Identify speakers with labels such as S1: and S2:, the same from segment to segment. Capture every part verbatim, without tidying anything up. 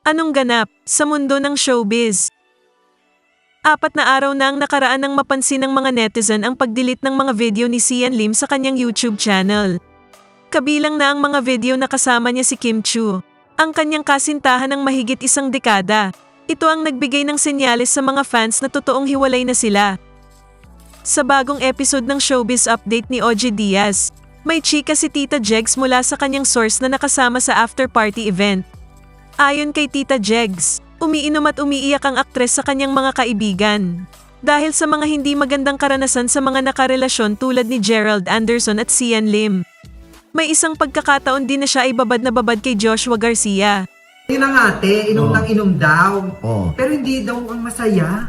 S1: Anong ganap sa mundo ng showbiz? Apat na araw na ang nakaraan nang mapansin ng mga netizen ang pag-delete ng mga video ni Sian Lim sa kanyang YouTube channel. Kabilang na ang mga video na kasama niya si Kim Chiu, ang kanyang kasintahan ng mahigit isang dekada. Ito ang nagbigay ng senyales sa mga fans na totoong hiwalay na sila. Sa bagong episode ng Showbiz Update ni Ogie Diaz, may chika si Tita Jegs mula sa kanyang source na nakasama sa after-party event. Ayon kay Tita Jegs, umiinom at umiiyak ang aktres sa kanyang mga kaibigan. Dahil sa mga hindi magandang karanasan sa mga nakarelasyon tulad ni Gerald Anderson at Sian Lim. May isang pagkakataon din na siya ay babad na babad kay Joshua Garcia.
S2: Yun ang ate, inom
S3: Oh.
S2: ng inom daw.
S3: Oh.
S2: Pero hindi daw ang masaya.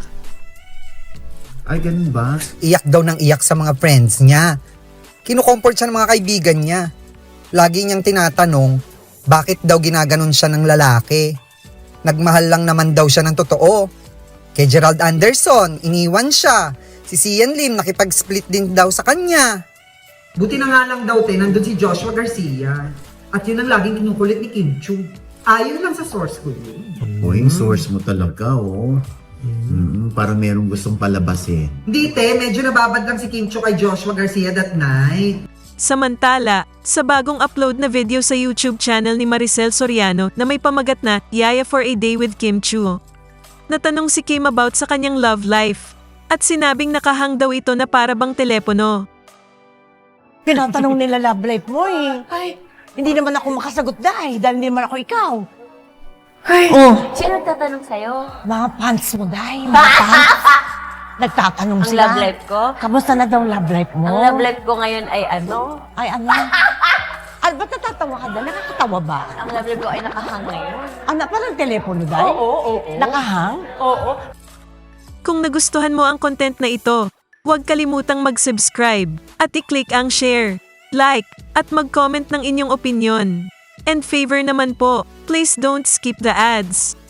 S3: Ay, ganun ba?
S4: Iyak daw ng iyak sa mga friends niya. Kinukomfort siya ng mga kaibigan niya. Lagi niyang tinatanong, bakit daw ginaganon siya ng lalaki? Nagmahal lang naman daw siya ng totoo. Kay Gerald Anderson, iniwan siya. Si Sian Lim, nakipag-split din daw sa kanya.
S2: Buti na nga lang daw, te, nandun si Joshua Garcia. At yun ang laging kinukulit ni Kim Chiu. Ayon lang sa source ko yun.
S3: O, yung source mo talaga, oh. Mm, parang merong gustong palabasin.
S2: Hindi, te, medyo nababad lang si Kim Chiu kay Joshua Garcia that night.
S1: Samantala, sa bagong upload na video sa YouTube channel ni Maricel Soriano na may pamagat na Yaya for a Day with Kim Chiu. Natanong si Kim about sa kanyang love life at sinabing nakahang daw ito na para bang telepono.
S5: Tinatanong nila love life mo eh. Ay, hindi naman ako makasagot dahil, dahil hindi naman ako ikaw. Ay, oh,
S6: Sino nagtatanong sa'yo?
S5: mga fans mo dahil, mga fans. Nagtatanong
S6: Ang
S5: sila.
S6: love life ko?
S5: Kamusta na daw love life mo?
S6: Ang love life ko ngayon ay ano?
S5: Ay, ano? Ay, ba't natatawa ka dahil? Nakakatawa ba?
S6: Ang love life ko ay nakahang ngayon.
S5: Ano, parang telepono dahil?
S6: Oo, oo, oo.
S5: Nakahang?
S6: Oo.
S1: Kung nagustuhan mo ang content na ito, huwag kalimutang mag-subscribe at i-click ang share, like, at mag-comment ng inyong opinion. And favor naman po, please don't skip the ads.